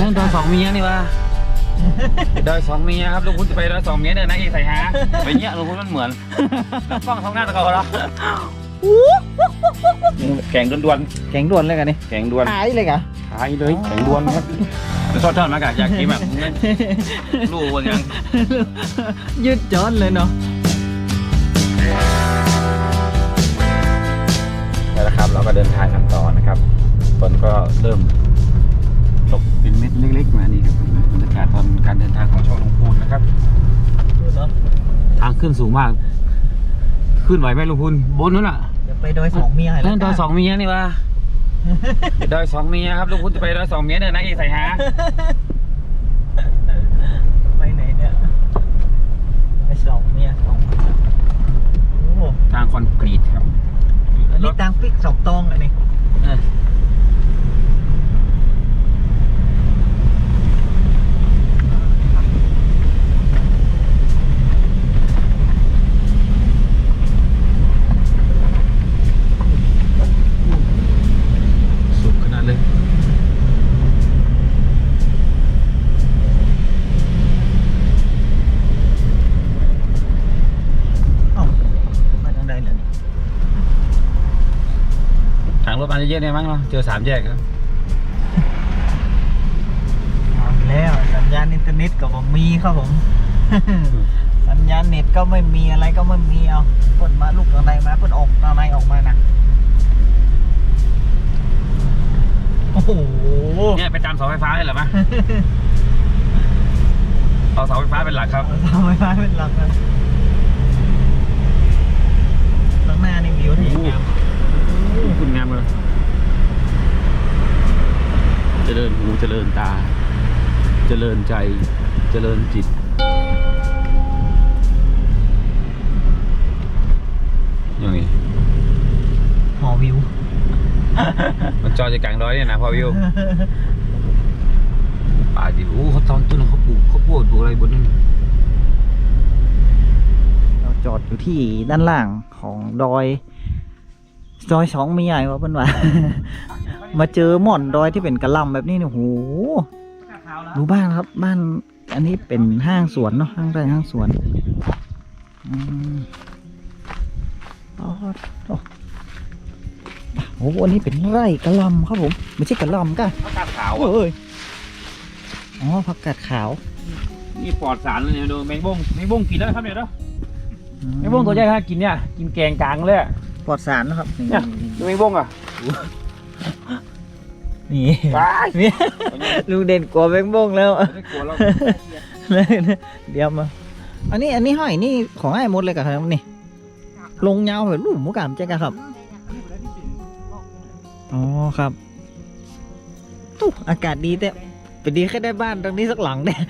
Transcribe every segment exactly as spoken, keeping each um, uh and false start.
รื่องดอยสองเมียนี่วะดอยสองเมียครับลุงคุณจะไปดอยสองเมียเดินนะอีใส่หาไปเนี้ยลุงคุณมันเหมือนกล้องท้องหน้าตะเกาแล้วแข่งด่วนแข็งด่วนเลยกันนี่ๆแข่งด่วนหายเลยกะหายเลยแข่งด่วนครับแล้วชอบเท่ามากะอยากกินแบบลูกวันยังยืดจอดเลยเนาะแล้วนะครับเราก็เดินทางกันต่อนะครับฝนก็เริ่มตกเป็นเม็ดเล็กๆมานี่ครับบรรยากาศตอนการเดินทางของช่องลุงพูนนะครับทางขึ้นสูงมากขึ้นไหวไหมลุงพูนบนนั้นอ่ะจะไปดอยสองเมียเรื่องดอยสองเมียนี่วะดอยสองเมียครับลุงพูนจะไปดอยสองเมียเดินนะอีใส่หาไปไหนเนี่ยไปสองเมียสองโอ้ทางคอนกรีตครับอันนี้ตังปิกสองตองอันนี้สุดขนาดเลยเอ้ามาทางใดเลยทางรถมาเยอะๆเนี่ยมั้งเนาะเจอสามแยกครับเอาแล้วสัญญาณอินเทอร์เน็ตก็บ่มีครับผม สัญญาณเน็ตก็ไม่มีอะไรก็ไม่มีเอาเพิ่นมาลูกทางใดมาเพิ่นออกทางใดออกมานะโอ้โหเนี่ยไปตามเสาไฟฟ้าได้เหรอมะ เอาเสาไฟฟ้าเป็นหลักครับเสาไฟฟ้าเป็นหลักนะข้างหน้านี่วิวที่งามคุณงามเลยเจริญหูเจริญตา เจริญใจ เจริญจิตอย่างนี้หอวิวมันจอจะกลางร้อยเนี่ยนะพอวิวป่าดิโอ้เขาตอนต้นเขาปลูกเขาปลูกปลูกอะไรบนนั้นเราจอดอยู่ที่ด้านล่างของดอยดอยสองมีใหญ่ว่าเพิ่นว่า มาเจอหม่อนดอยที่เป็นกระหลำแบบนี้เนี่ยโหดูบ้านครับบ้านอันนี้เป็นห้างสวนเนาะห้างไร่ห้างสวนอืมอ๋อโอ้โหอันนี้เป็นไร่กระหลำครับผมไม่ใช่กระหลำก้ะเขาตาขาวเอ้ยอ๋อผักกาดขาวนี่ปลอดสารเลยเนี่ยดูแมงบ้งแมงบ้งกินแล้วครับเนี่ยเนาะแมงบ้งตัวใหญ่ฮะกินเนี่ยกินแกงกลางเลยปลอดสารนะครับเนี่ยดูแมงบ้งอ่ะนี่ว้ายนี่ลุงเด่นกลัวแบงบงแล้วไม่กลัวเราเดี๋ยวมาอันนี้อันนี้ห้อยนี่ของไอ้หมดเลยกับครับนี่ลงยาวแบบลูกหมูกามเจ๊กะครับอ๋อครับตู้อากาศดีแต่ไปดีแค่ได้บ้านตรงนี้สักหลังเนี่ย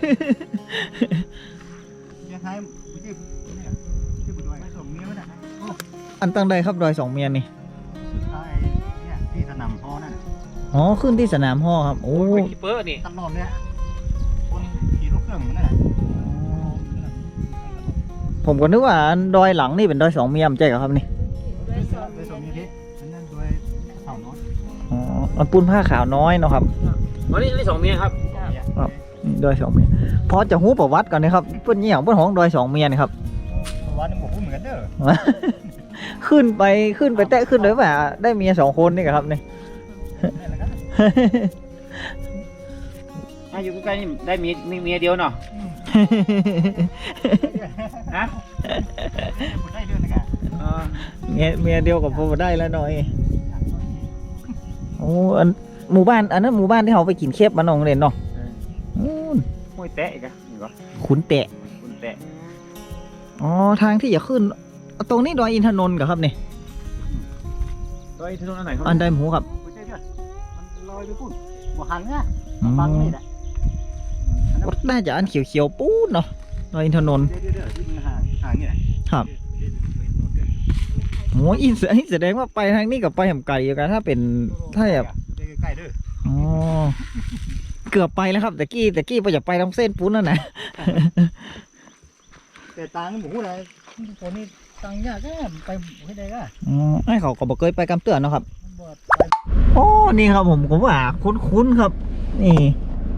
อันตั้งใดครับดอยสองเมียนี่ที่สนามพ่อนั่นอ๋อขึ้นที่สนามพ่อครับโอ้เป็นคิปเปอร์นี่ตลอดเลยคนขี่รถเครื่องมันนั่นแหละผมก็นึกว่าดอยหลังนี่เป็นดอยสองเมียมใช่ครับนี่โดยสมมีที่ฉันนั่นโดยเสาน้อยอ๋อมันปูนผ้าขาวน้อยเนาะครับอ๋อนี่นี่สองเมียครับนี่ดอยสองเมียพอจะหู้ประวัติก่อนนะครับเพื่อนนี่อย่างเพื่อนของดอยสองเมียนี่ครับวันนี้ผมพูดเหมือนกันเด้อขึ้นไปขึ้นไปแตะขึ้นเลยว่าได้เมียสองคนนี่ครับนี่อาอยู่ใกล้ๆนี่ได้เมียมีเมียเดียวเนาะฮะพูดได้เรื่องนะกันเมียเมียเดียวกับผมได้แล้วหน่อยโอ้อันหมู่บ้านอันนั้นหมู่บ้านที่เขาไปกินเคฟมาน้องเด่นเนาะห้วยแตะอีกอะนี่ก็ขุนแตะคุณแตะอ๋อทางที่จะขึ้นตรงนี้ดอยอินทนนท์กับครับนี่ดอยที่ตรงนั้นไหนครับอันใดหมูครับพูดได้เรื่องมันลอยไปพูดบ่หันนะฟังนี่แหละน่าจะอันเขียวๆปูดเนาะดอยอินทนนท์เดี๋ยวเดี๋ยวที่มันห่างห่างนี่แหละครับโอ้อินแสดงว่าไปทางนี้กับไปแหมไก่อยู่กันถ้าเป็นถ้าแบบใกล้ๆเด้ออ๋อเกือบไปแล้วครับแต่กี้แต่กี้ไปอยากไปทางเส้นปุ้นนั่นนะแต่ตังหมูอะไรคนนี้ตังยากแค่ไปไม่ได้ก็อ๋อไอ้เขาก็บอกเคยไปกำเตือนเนาะครับบ่ไปโอ้นี่ครับผมผมว่าคุ้นๆครับ นี่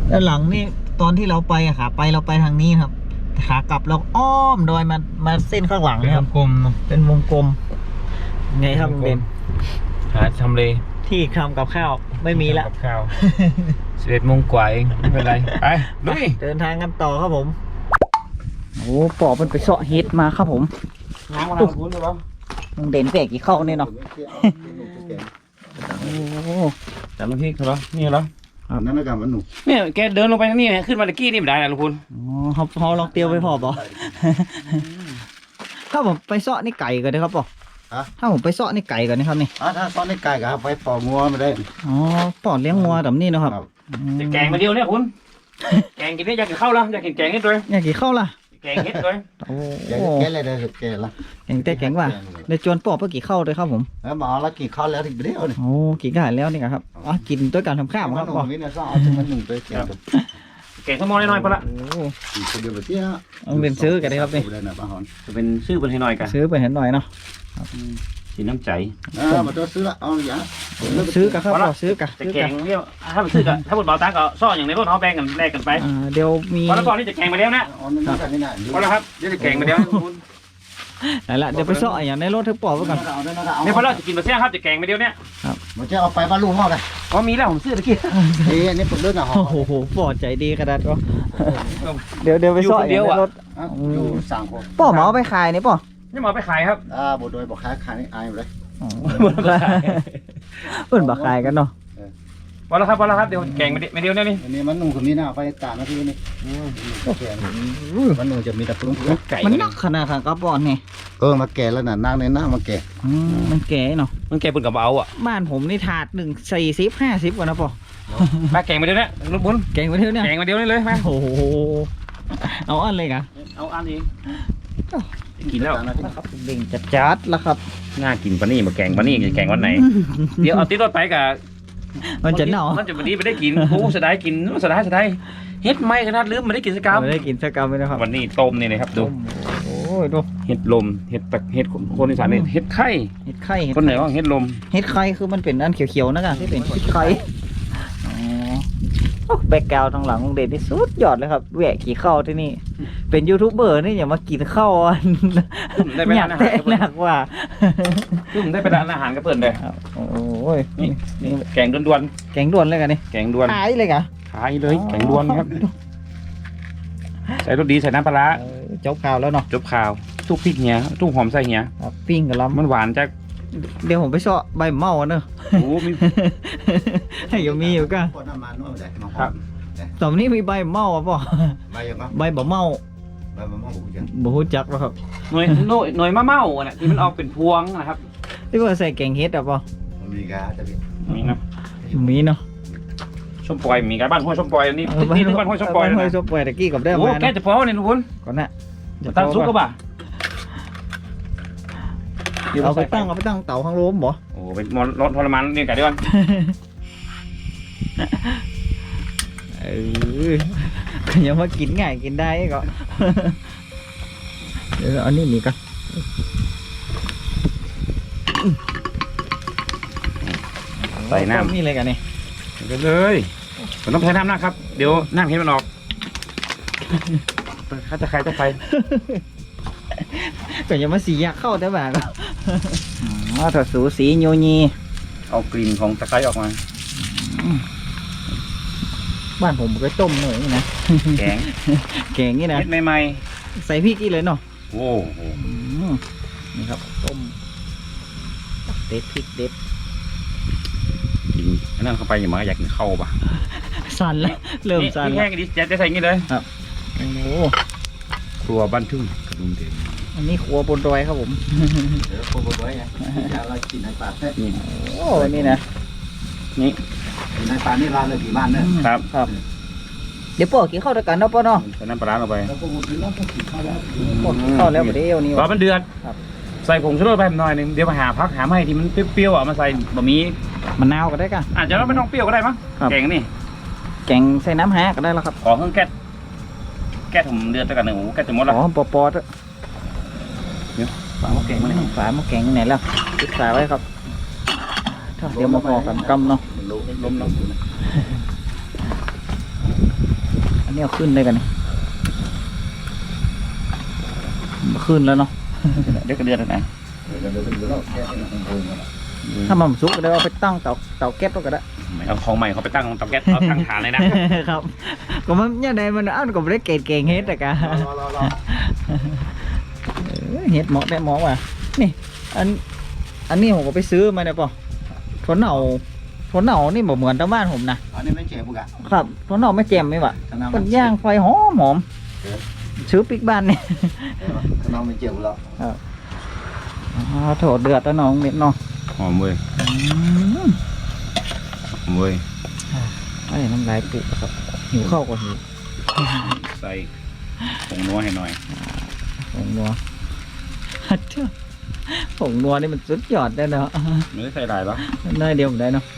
แล้วหลังนี่ตอนที่เราไปอะขาไปเราไปทางนี้ครับขากลับเราอ้อมดอยมามาเส้นข้างหลังเป็นนะครับกลมๆเนาะเป็นวงกลมไงครับลุงเด่นหาทำเลที่ทำกับข้าวไม่มีละกับข้าวสิบเอ็ดโมงกว่าเองไม่เป็นไรไปลุยเดินทางกันต่อครับผมโอ้ปอบมันไปเสาะเฮ็ดมาครับผมน้ำมาแล้วคุณหรือเปล่าลุงเด่นแปลกกี่เข้าเนี่ยเนาะโอ้จำน้ำพริกเหรอนี่เหรอนั่นนะกันมันหนุ่มเนี่ยแกเดินลงไปทางนี้ขึ้นมาตะกี้นี่ไม่ได้นะลุงคุณอ๋อเขาเขาลองเตียวไปพอปะถ้าผมไปเสาะนี่ไก่ก่อนนะครับปอถ้าผมไปเสาะนี่ไก่ก่อนนะครับนี่อ่าถ้าซ้อนในไก่กับไปปอกงัวมาได้อ๋อปอดเลี้ยงงัวแบบนี้เนาะครับจะแกงมาเดียวเนี่ยคุณแกงกินได้อยากกินข้าวแล้วอยากกินแกงนิดด้วยอยากกี่เข้าล่ะแกงเฮ็ดด้วยโอ้แกแกอะไรได้แกละแกงแต่แกงว่าเดี๋ยวจวนปอบไปกี่เข้าเลยครับผมแล้วมาแล้วกี่ข้าวแล้วถึงเดียวนี่โอ้กี่กาแล้วนี่ครับอ๋อกินด้วยการทำข้าวมัคน รับหนุ่ปอมนี่นะซ้อนเอาถึงมันหนุ่มไปแกงแกงข้าวมอน้อยๆพอละโอ้อีกคนเดียวแบบนี้นะต้องเรียนซื้อกันเลยครับนี่ได้นะป้าหอนจะเป็นชื่อเป็นให้หน่อยกันซื้อไปเห็นหน่อยเนาะสีน้ำใจอ่ามาตัวซื้อละเอาอย่างซื้อกับครับปอซื้อกับจะซื้อแกกับงเนี่ยถ้าเป็นซื้อกันถ้าบนเบาตังก็ซ่ออย่างในรถเขาแบ่งกันแลกกันไปอ่าเดี๋ยวมีพอแล้วก่อนนี่จะแกงมาเดียวนะอ๋อนั่นนั่นนี่น่ะพอแล้วครับเดี๋ยวจะแกงมาเดียวคุณไหนละเดี๋ยวไปเสาะอย่างในรถทึบปอบไว้ก่อนเอาได้นะเอานี่พอแล้วจะกินมาเสี้ยครับจะแกงมาเดียวเนี่ยมันจะเอาไปบ้านลุงห้องเลยอ๋อมีแล้วผมซื้อตะกี้นี่อันนี้ผมเลือกอ่ะห้อโอ้งโหปอดใจดีขนาดก็เดี๋ยวเดี๋ยวไปเสาะอย่างในรถอยู่สั่งคนปอหมาเอาไปขายนี่ปอนี่หมอไปขายครับอ่าบดโดยบอกค้าขายนี่อายหมดเลยเปิ่นบักขายกันเนาะพอแล้วครับพอแล้วครับเดี๋ยวแกงมาเดียวเนี่ยนี่อันนี้มันหนุ่มคนนี้นะไปตากนาทีนี่แกมันหนุ่มจะมีแต่ปรุงไก่มันนักขนาดค่ะกระปอนนี่เออมาแก่แล้วน่ะนั่งในหน้ามาแก่อืมมันแก่เนาะมันแกงปุ่นกับเอาอ่ะบ้านผมนี่ถาดหนึ่งสี่สิบห้าสิบกว่านะปอมาแกงมาเดียวเนี่ยลูกบุญแกงไปเท่าเนี่ยแกงมาเดียวนี่เลยมาโอ้โหเอาอันเลยกะเอาอันนี้กินแล้วครับเบ่งจัดจัดแล้วครับน่ากินปะนี่มาแกงปะนี่จะแกงวันไหน เดี๋ยวเอาติดรถไปกับมันจะเน่ามันจะวันนี้ไม่ได้กินโอ้สะได้กินสะได้สะได้เฮ็ดไม่ขนาดลืมไม่ได้กินสกรรมไม่ได้กินสักกรรมเลยนะครับวันนี้ต้มนี่นะครับดูโอ้ยดูเฮ็ดลมเฮ็ดตะเฮ็ดคนอีสานนี่เฮ็ดไข่เห็ดไข่เห็ดคนเหนือว่าเฮ็ดลมเห็ดไข่คือมันเป็นอันเขียวๆนะกะที่เป็นเห็ดไข่อ๋อแบกกราวด์ทางหลังของเด่นที่สุดยอดเลยครับแหวกขี่เข้าที่นี่ เป็นยูทูบเบอร์นี่อย่ามากินข้าวอันได้ไปอยาร้าก นอาแต่หารกับหนักว่าเพิ่นได้ไปร้านอาหารกับเพิ่นเลยโอ้ยนี่นี่แกงด่วนแกงด่วนเลยกันนี่ๆแกงด่วนหายเลยกะขายเลยแกงด่วนครับใส่รสดีใส่น้ำปลาร้าเออเจ้าข่าวแล้วเนาะจบข่าวทุกพริกเหียทุกหอมใส่เหียครับปิ้งกับล้ำมันหวานจากเดี๋ยวผมไปเสาะใบเมาอันเนอะโอ้มีให้ยังมีอยู่ก็คนน้ำมันนู่นเลยครับตอนนี้มีใบเมาอ่ะป่ะใบยังไงใบบ่เมาใบมะม่วงบุกจังบ่ฮู้จักแล้วครับหน่วยหน่วยหน่วยมะเม่าอ่ะนะที่มันออกเป็นพวงนะครับที่ว่าใส่แกงเฮ็ดอ่ะป่ะมันมีกาจะมีนี่นะมีเนาะส้มปล่อยมีการบ้านห้วยส้มปล่อยอันนี้ที่ที่บ้านห้วยส้มปล่อยบ้านห้วยนะส้มปล่อยตะกี้กับได้โอ้มาแกนะจะพอเนี่ยทุกคนก่อนน่ะตั้งซุกก็บ่าเอาไปตั้งเอาไปตั้งเตาข้างโล้มบ่โอ้เป็นมรทรมานเนี่ยไก่ด้วยกันเออก็ยังมากินง่ายกินได้ก็ เดี๋ยวเอานี่นี่ก็ใส่น้ำนี่เลยกันนี่เดี๋ยวเลยผมต้องใช้น้ำนะครับ เดี๋ยวน้ำเห็นมันออกข้าจะใครจะใครก็ยังมาสีอยากเข้าได้บ่าก็อ๋อถ้าสูสีโยนีเอากลิ่นของตะไคร้ออกมาบ้านผมก็ต้มหน่อยนี่นะแกงแกงนี่นะเม็ดใหม่ใส่พริกอีกเลยเนาะๆโอ้โหอืมนี่ครับต้มเด็ดพริกเด็ดกินอันนั้นเข้าไปอย่ามาอยากกินข้าวป่ะสั่นแล้วเริ่มสั่นนี่แล้แห้วงดิจะใส่อย่างนี้เลยโอ้โหครัวบ้านทุ่งกระดุมเด่นอันนี้ครัวบนดอยครับผมเดี๋ยวโคบไว้ไงเรากินในป่าเนี่ยนี่โอ้นี่นะนี่ในป่านี่ร้านเลยกี่บ้านเนี่ยครับครับ เดี๋ยวปอกกินข้าวด้วยกันเนาะป่อเนาะใส่น้ำปลาร้าลงไปแล้วก็หมดแล้วก็กินข้าวแล้วปอกกินข้าวแล้วมาเดี๋ยวนี้รอมันเดือดครับใส่ผงชูรสไปหน่อยหนึงเดี๋ยวมาหาพักหาไม่ที่มันเปรี้ยวๆอ่ะมาใส่บะหมี่มะนาวก็ได้กันอาจจะไม่ต้องเปรี้ยวก็ได้มั้งครับแกงนี่แกงใส่น้ำฮะก็ได้แล้วครับขอเครื่องแก๊สแก๊สผมเดือดไปกันหนึ่งโอ้โหแก๊สจะหมดแล้วอ๋อปอปอดฝาหม้อแกงมาเลยฝาหม้อแกงไหนแล้วปิดฝาไว้ครับเดี๋ยวมาพอกันกำเนาะมันรู้ลมเนาะนี่เอาขึ้นได้กันนี่ขึ้นแล้วเนาะเดี๋ยวก็เดือนแล้วนะเดี๋ยวเดี๋ยวเดี๋ยวเราแค่ให้มันโงมาละถ้ามันสุกก็ได้เอาไปตั้งเตาเตาแก๊สก็ได้ไม่เอาของใหม่เขาไปตั้งเตาแก๊สเอาตั้งฐานเลยนะครับก็มันเนี่ยใดมันอ้าวก็ไม่ได้เก่งเก่งเฮ็ดแต่กะรอรอรอเออเฮ็ดเหมาะได้เหมาะว่ะนี่อันอันนี้ผมก็ไปซื้อมาเนี่ยป่ะถั่วเน่าถั่วเน่านี่บ่เหมือนตามบ้านผมนะอันนี้ไม่เจ็บบุกอะครับถั่วเน่าไม่แจ่มไม่ว่ะขนาดมันย่างไฟหอมหอมซื้อปิ๊กบ้านนี่ขนาดไม่เจ็บแล้วอ๋อโถเดือดแล้วน้องเม็ดเนาะหอมเว้ยอืมหอมเว้ยไอ้น้ำลายปุกครับหิวข้าวก็หิวใส่ผงนัวให้หน่อยผงนัวฮัทเจ้าผงนัวนี่มันสุดยอดได้เนาะไม่ได้ใส่หลายหรอน้อยเดียวผมได้เนาะ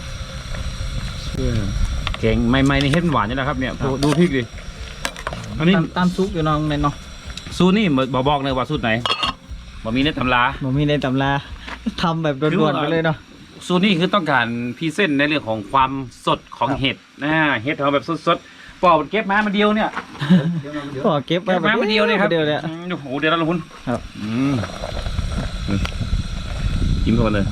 แกงใหม่ๆนี่เฮ็ดหวานนี่แหละครับเนี่ยดูดูพริกดิอันนี้ตามตามซุปอยู่น้องเม็ดเนาะสูตรนี่บอกบอกเลยว่าสูตรไหนบ่มีในตำราผมมีในตำราทำแบบด่วนๆไปเลยเนาะสูตรนี้คือต้องการพรีเซนต์ในเรื่องของความสดของเห็ดนะเห็ดเราแบบสดๆปอกเก็บมามาเดียวเนี่ยเดี๋ยวเดี๋ยวก็เก็บเก็บมามาเดียวเลยครับเดียวเลยอืมโอ้โหเดี๋ยวเราลงทุนครับอืมกินเข้าไปเลย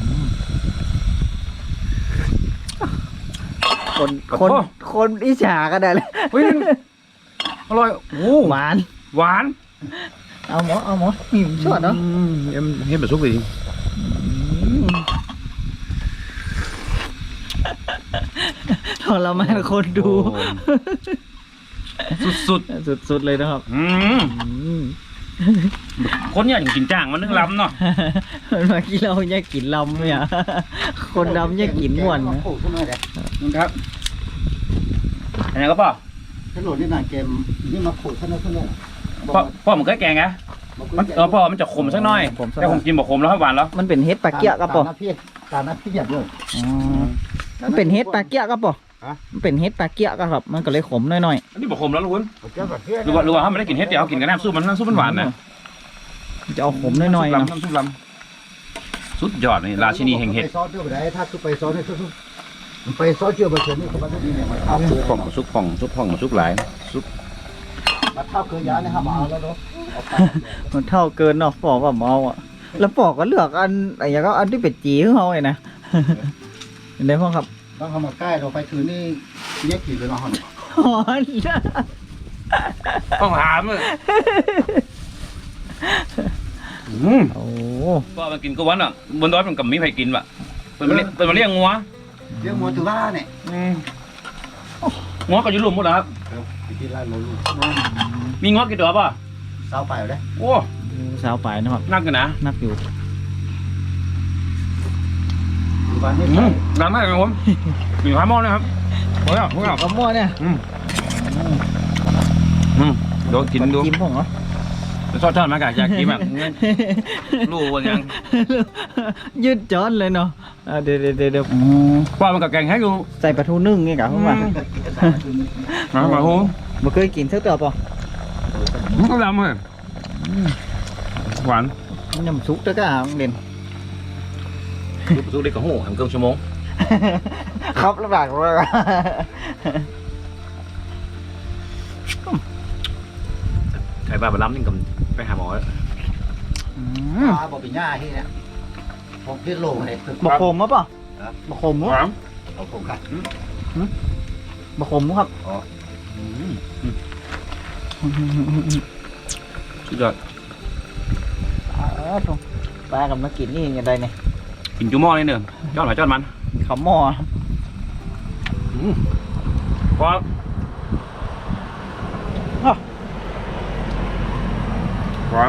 คนคนคนอิจฉาก็ได้เลยเฮ้ยอร่อยโอ้หวานหวานเอาหมอเอาหมอหิมชอดเนาะอืมเอ็มเห็ดแบบซุปเลยดิทรมานคนดูสุดสุดๆเลยนะครับๆอืมอืมคนเนี่ยถึงกินจ้างมันนึงลำเนาะมันมากินเราแยกกินลำเนี่ยคนดำแยกกินม่วนนะโอ้ขึ้นมาเลยนี่ครับอันนี้ก็ป่ะถ้าโหลดนี่นานเกมนี่มาขูดขึ้นมาขึ้นเลยพ่อพ่อมันเคยแกงไงมันเออพ่อมันจะขมสักหน่อยแต่ผมกินบอกขมแล้วครับหวานแล้วมันเป็นเฮ็ดปลาเกี๊ยะกระป๋อตาหน้าพี่ตาหน้าพี่อยากด้วยอ๋อมันเป็นเฮ็ดปลาเกี๊ยะกระป๋อฮะมันเป็นเฮ็ดปลาเกี๊ยะกระครับ มันก็เลยขมหน่อยอันนี้บอกขมแล้วลุงคุณเจ้าแบบเพื่อนหรือว่าหรือว่าถ้าไม่ได้กินเฮ็ดเดี๋ยวเอากินกับน้ำซุปมันน้ำซุปมันหวานนะๆมันจะเอาขมหน่อยๆน้ำเนาะซุปลำน้ำซุปลำสุดยอดนี่ราชินีแห่งเห็ดไปซอสเชื่อไปได้ถ้าคือไปซอสเนี่ยซุปไปซอสเชื่อไปเฉยนี่เขาบอกว่านี่เนี่ยมันเท่าซุปผ่องซุปผ่องซุปผ่องซุปหลายซุปมันเท่าเกลือยาเนี่ยครับมาเอาแล้วเนาะมันเท่าเกินเนาะปอกกับเมาอ่ะ แล้วปอกก็เลือกอันไอ้อย่างก็อันที่เป็ดจีของเขาเลยนะ เห็นได้พ่อครับต้องเข้ามาใกล้เราไปถือนี่แยกกี่เลยมาห่อนหอนต้องถามเลยอืมโอ้ก็มันกินก็วันอ่ะบนดอยมันกับมีใครกินวะเป็นมาเลี้ยงเป็นมาเลี้ยงงัวเรื่องมัวถือว่าเนี่ยอืมงัวก็อยู่รวมหมดแล้วครับไปที่ไร่เราลูกมีงัวกี่ตัวป่ะสาวไปเลยโอ้สาวไปนะครับนักกันนะนักอยู่อยู่บ้านนี่อืมดังมากครับผมมีพายหม้อนะครับโอ้ยโอ้ยกระมั่วเนี่ยอืมอืมโดนกินดูกินผมเหรอชอบชอบมากอะอยากกินแบบรู้ว่ายังยืดจอนเลยเนาะอ่าเดี๋ยวเดี๋ยวเดี๋ยวเดี๋ยวอ๋อว่ามันกับแกงให้ดูใส่ปลาทูนึ่งนี่กะเข้ามามามาโหบ่เคยกินสักตัวป่ะก็ดำเลยหวานยำซุกตะกะเด่นซุปเล็กกับหูทำเกินชั่วโมงครับลำบากเลยใครบ้าบล้ำนี่กับไปหาหมอปลาบอกเป็นหญ้าที่เนี่ยผมพิษโลเลยบะขมมั้ป่ะบะขมหมั้วานเอาผมค่ะบะขมครับสุดยอดอ๋อตรงปลากับมากินนี่ยังไงเนี่ยกินจุ่มหม้อนี่เนอะจอดหอยจอดมันขาวหม้อพอหวาน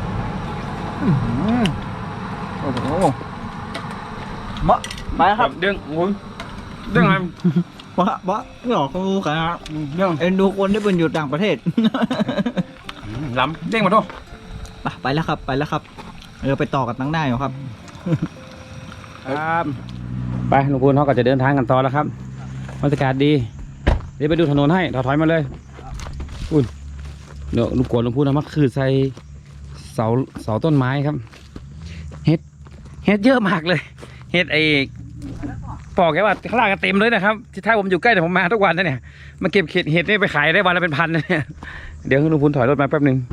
โอ้โหมะไปครับเด้งโอ้ยเด้งไงบะบะหลอกเขาขนาดเด้งเอ็นดูคนที่เป็นอยู่ต่างประเทศล้ำเด้งมาด้วยไปไปแล้วครับไปแล้วครับเราไปต่อกันตั้งหน้าอยู่ครับครับไปลุงพูนเขาก็จะเดินทางกันต่อแล้วครับบรรยากาศดีเดี๋ยวไปดูถนนให้ถอยถอยมาเลยอุ้ยเดี๋ยวลุงกวนลุงพูนเอามาคือใส่เสาเสาต้นไม้ครับเฮ็ดเฮ็ดเยอะมากเลยเฮ็ดไอ้บอกแกว่าข้างล่างก็เต็มเลยนะครับที่ท้ายผมอยู่ใกล้แต่ผมมาทุกวันนะเนี่ยมาเก็บเห็ดเห็ดนี่ไปขายได้วันละเป็นพันนะเนี่ยเดี๋ยวลุงพูนถอยรถมาแป๊บหนึ่ง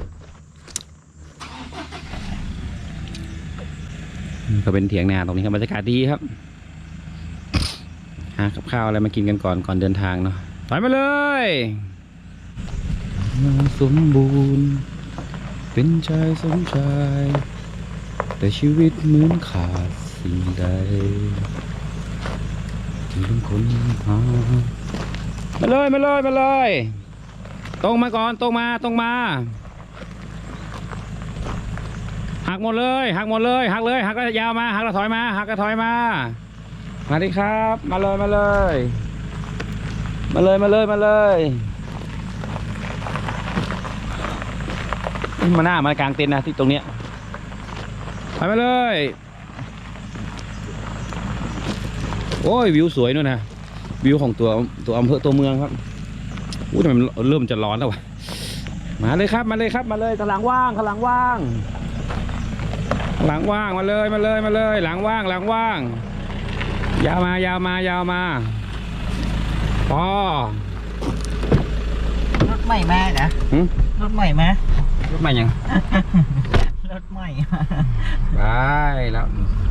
ก็เป็นเถียงนาตรงนี้ครับบรรยากาศดีครับหากับข้าวอะไรมากินกันก่อนก่อนเดินทางเนาะถอยมาเลยสมบูรณ์เป็นชายสมชายแต่ชีวิตเหมือนขาดสิ่งใดที่เป็นคนหามาเลยมาเลยมาเลยตรงมาก่อนตรงมาตรงมาหักหมดเลยหักหมดเลยหักเลยหักแล้วยาวมาหักแล้วถอยมาหักแล้วถอยมามาดิครับมาเลยมาเลยมาเลยมาเลยมาเลยมาหน้ามากลางเต็นท์นะที่ตรงเนี้ยถอยมาเลยโอ้ยวิวสวยนู่นนะวิวของตัวตัวอำเภอตัวเมืองครับอู้ทำไมมันเริ่มจะร้อนแล้ววะมาเลยครับมาเลยครับมาเลยข้างหลังว่างข้างหลังว่างหลังว่างมาเลยมาเลยมาเลยหลังว่างหลังว่างยาวมายาวมายาวมาพอรถใหม่มาเหรอหึรถใหม่มารถใหม่ยังรถใหม่ไปแล้ว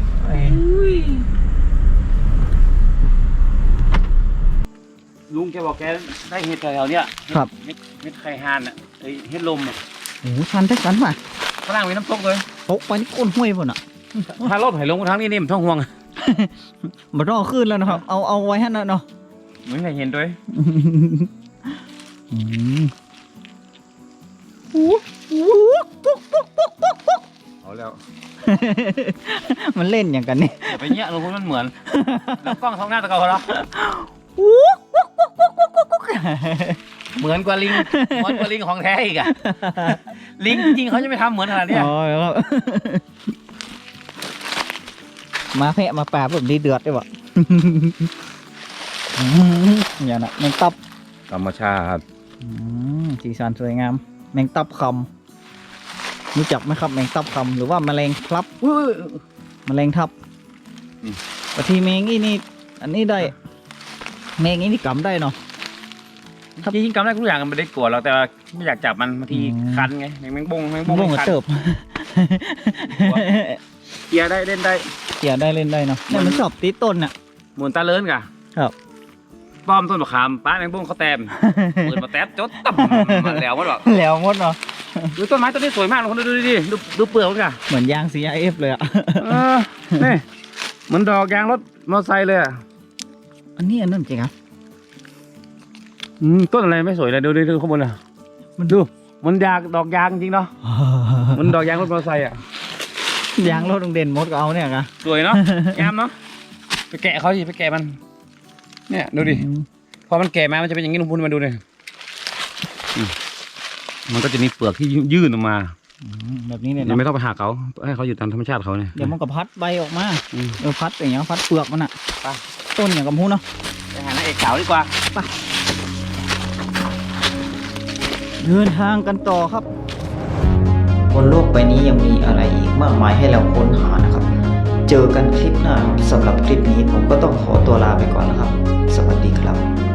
ลุงแกบอกแกได้เห็ดแถวๆเนี้ยครับเม็ดเม็ดไข่ห่านอ่ะไอเห็ดลมอ่ะโอ้โหชันแท้ชันว่ะฝรั่งมีน้ำตกเลยตกไปนี่ก้นห้วยพุ่นอ่ะถ้ารถไหลลงทางนี้นี่มันท้องห่วงมารอขึ้นแล้วนะครับ เอาเอาไว้ให้หน่อยเนาะเหมือนใครเห็นด้วยอืมเอาแล้วมันเล่นอย่างกันนี่อย่าไปเนี้ยลุงพูดมันเหมือนแล้วกล้องท้องหน้าตะเกาเหรอเหมือนกว่าลิงเหมือนกว่าลิงของแท้อีกอะลิงจริงๆเขาจะไม่ทำเหมือนขนาดเนี้ยอ๋อครับ มาแพะมาป่าแบบนี้เดือดได้ปะอย่างน่ะแมงตับธรรมชาติอืมสีสันสวยงาม แมงตับคำรู้จักไหมครับแมงตับคำหรือว่าแมลงพลับแมลงทับบางทีแมงอีนี่อันนี้ได้แมงอีนี่กำได้เนาะจริงๆกำได้ทุกอย่างมันไม่ได้กลัวเราแต่ไม่อยากจับมันบางทีอืมคันไงแมงบงแมงบบุ้งงกับคันเติบเกียร์ได้เล่นได้เกี่ยได้เล่นได้เนาะเนี่ยมันชอบตีต้นน่ะหมุนตาเลินกะครับป้อมต้นมะขามป้าแมงบงเขาแต้มเปิดมาแต้มจดตับมันแล้วมันบอกแล้วหมดเนาะดูต้นไม้ต้นนี้สวยมากทุกคนดูดิดูดูเปลือกมันกะเหมือนยาง ซี ไอ เอฟ เลยอ่ะเออนี่เหมือนดอกยางรถมอเตอร์ไซค์เลยอะอันนี้อันนั้นจริงครับอืมต้นอะไรไม่สวยเลยดูดูดูข้างบนอ่ะมันดูมันยางดอกยางจริงเนาะมันดอกยางรถมอเตอร์ไซค์อ่ะยางรถโรงเด่นมดก็เอาเนี่ยกะสวยเนาะงามเนาะไปแกะเขาสิไปแกะมัน เนี่ยดูดิพอมันแก่มามันจะเป็นอย่างนี้ลุงพูนมาดูเลยอืมมันก็จะมีเปลือกที่ยื่นออกมาอืมแบบนี้เนี่ยยังเนาะไม่ต้องไปหักเขาให้เขาอยู่ตามธรรมชาติเขาเนี่ยเดี๋ยวมันก็พัดใบออกมาอืมเออพัดอย่างเงี้ยพัดเปลือกมันอ่ะไปต้นอย่างกับพูเนาะไปหานางเอกสาวดีกว่าเดินทางกันต่อครับบนโลกใบนี้ยังมีอะไรอีกมากมายให้เราค้นหานะครับ เจอกันคลิปหน้าสำหรับคลิปนี้ผมก็ต้องขอตัวลาไปก่อนนะครับ สวัสดีครับ